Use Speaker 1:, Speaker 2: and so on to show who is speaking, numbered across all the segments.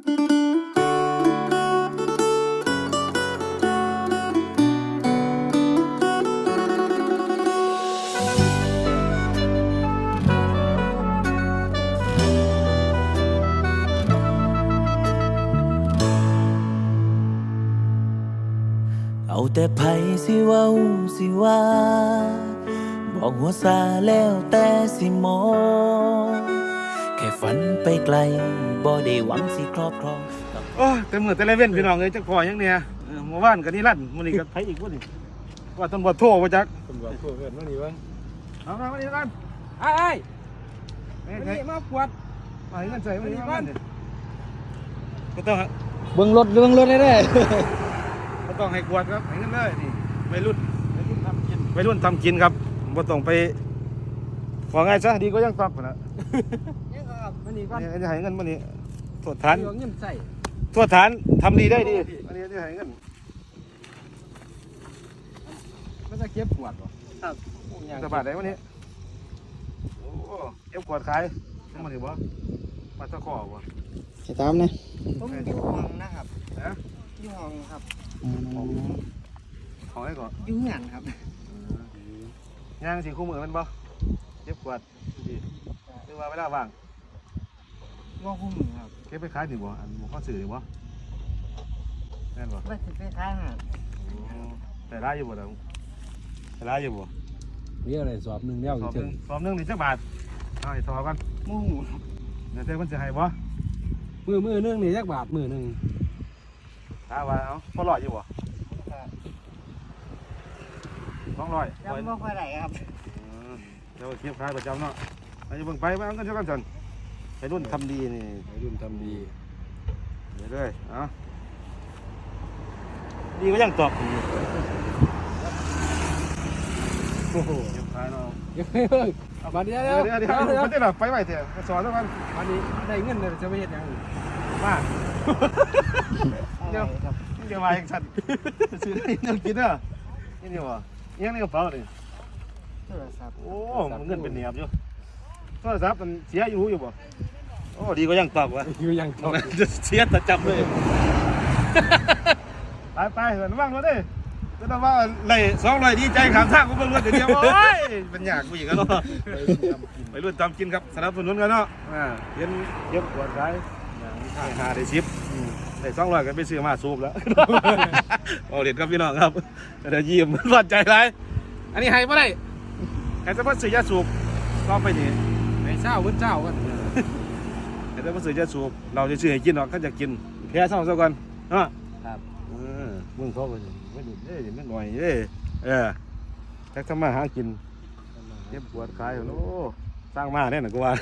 Speaker 1: เอาแต่ไผสิเว้าสิว่าบอกหัวซาแล้วแต่สิมองแค่ฝันไปไกลบ่ได้หวังสิครอบครอง
Speaker 2: โอ้เต็มมือเต็มเว้นพี่น้องเลยจักพอยังเนี่ยเมื่อวานกันนี่ลั่นมื้อนี้ก็ไผอีกบ่นี่ว่าตำรวจโทรบ่จักตำรวจโทรเกินมื้อนี้เบิ่งเอามามื้อนี้กัน
Speaker 3: ไอ้
Speaker 2: มื้อ
Speaker 3: วัน
Speaker 2: นี้
Speaker 3: นี้มาปวด
Speaker 2: มาให้เงินใส่มื้อนี้ก่อนก็ต้อง
Speaker 3: เบิ่งรถได้เด้
Speaker 2: ก็ต้องให้กวดครับให้เงินเลยนี่วัยรุ่นทำกินวัยรุ่นทำกินครับบ่ต้องไปว่าไงซะดีก็ยังตอบพุ่นน่ะ
Speaker 3: นี่ครับวันนี้ก่อน
Speaker 2: นี่จะให้เงินมื้อนี้โทษฐาน
Speaker 3: เงินใส่
Speaker 2: โทษฐานทำดีได้ดีอันนี้จะให้เงิน
Speaker 3: มันจะเก็บปวดบ่
Speaker 2: ครับจะบาทไหนวันนี้โอ้เอฟกวดขายทั้งหมดถือบ่มาตะขอบ่
Speaker 3: ให้ตามนะผมอยู่ห้องนะครับ
Speaker 2: นะ
Speaker 3: อยู่ห้องครับ
Speaker 2: ของให้ก่อน
Speaker 3: อยู่เงินครับ
Speaker 2: ย่างสีคู่มือมันบ่เอฟกวดดีหรือว่าเวลาว่าง
Speaker 3: ว่าคุ้มอครับ
Speaker 2: เก็บไปขายดีบ่อันบ่ข้อสื่อดีบ่แม่นบ่
Speaker 3: ว่าสิไปขายหา
Speaker 2: แต่ร้ายอยู่บ่ล่ะแต่ร้ายอยู่บ่
Speaker 4: เรียกอะไรสอบหนึ่งเรียก
Speaker 2: สอบ
Speaker 4: ถึ
Speaker 2: นึ
Speaker 4: ง
Speaker 2: งสอบนึงนี่จักบาทเอาให้ทอกัน
Speaker 3: หมู่
Speaker 2: เดี๋ยวเจ้าเพิ่นสิให้บ่
Speaker 4: มือหนึงนี่จักบาทมือหนึง
Speaker 2: ถามว่าเอาพอรอดอยู่บ่200
Speaker 3: จำว่าค่อยได้ครับ
Speaker 2: เดี๋ยวเก็บขายประจำเนาะอันนี้เบิ่งไปเอาเงินเท่ากันซั่นไปรุ่นทำดีนี่
Speaker 4: วัยรุ่นทำดี
Speaker 2: เดี๋ยวเลยเอาดีก็ยังตอบอยู่โอ้โหยังขายเนาะ
Speaker 4: เดี๋ยวมาเดี๋ยว
Speaker 2: เดี๋ยวเดี๋ยวเดี๋ยวมันจะแบบไปไหวเถอะไปสอนแล้วกัน
Speaker 4: วันนี้ได้เงินเลยจะไปเฮ็ดหยัง
Speaker 2: มา
Speaker 3: เดี๋ยวครับ
Speaker 2: เดี๋ยวมาอย่างฉันซื้อได้เงินกินเด้อนี่นี่วะยังในกระเป๋าเลย
Speaker 3: โทรศัพท์
Speaker 2: โอ้มันเงินเป็นเหนียบอยู่โทรศัพท์มันเสียอยู่บ่โอ้ดีก็ยังตอบวะ
Speaker 4: อยู่ยังตก
Speaker 2: จะเสียแต่จับเลยไปเหินว่างรถดิก็ต้องว่าเลย200ดีใจขามทางก็เป็นรถเดียวโอ้ยเป็นยากผู้หญิงกันเนาะไปรุ่นตามกินครับสนับสนุนกันเนาะเย็นเย็บปวดร้ายหาได้ชิปได้200กันไปซื้อมาสูบแล้วเอาเด็ดครับพี่น้องครับเดี๋ยวยิ้มรอดใจไรอันนี้ให้ไม่ได้ให้เฉพาะซื้อยาสูบก็ไปนี่
Speaker 4: ในเช้ามื้อเช้ากัน
Speaker 2: ให้เฉพาะซื้อยาสูบเราจะซื้อให้กินหรอกถ้าจะกินแพ้เศร้าซะก่อนเนาะ
Speaker 4: ครับ
Speaker 2: มึงเขาก็ไม่ดุเด้ไม่หน่อยเด้แท็กทำมาหากินเจ็บปวดขายโอ้สร้างมาแน่นอนกูว่า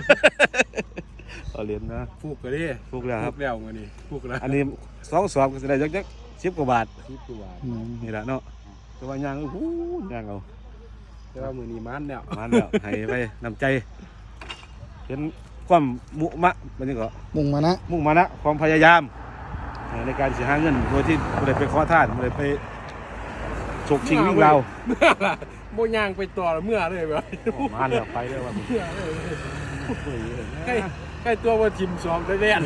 Speaker 2: เอาเหรียญนะ
Speaker 4: ฟูกก็ดิ
Speaker 2: ถูกแล้วครับ
Speaker 4: แล้วมื้อนี้ฟูกแล้ว
Speaker 2: อันนี้2 สอบก็จะได้จัก10 กว่าบาท
Speaker 4: 10กว่าบาท
Speaker 2: นี่แหละเนาะแต่ว่ายางโอ้โหยางเอา
Speaker 4: แต่ว่ามื้อนี้มันแล้ว
Speaker 2: มาแล้วให้ไปนำใจเห็นความมุมะมันนี่ก็
Speaker 3: มุ่งมานะ
Speaker 2: มุ่งมานะความพยายามในการสิหาเงินโดยที่ไม่ได้ไปขอทานไม่ได้ไปฉกชิงวิ่งเรา
Speaker 4: เมื่อล่ะบ่ย่างไปต่อเมื่อเลยบ่
Speaker 2: มาแล้วไปเลยว่า
Speaker 4: เมื่อเลยใกล้ตัวว่าทิมซ้อมได้แน่น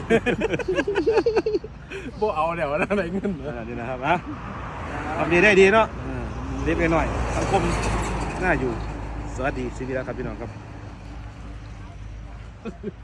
Speaker 4: บ่เอาแล้วนะได้เงิน
Speaker 2: นี่นะครับนะทำดีได้ดีเนาะเล็กน้อยสังคมน่าอยู่สวัสดีชีวิตแล้วครับพี่น้องครับ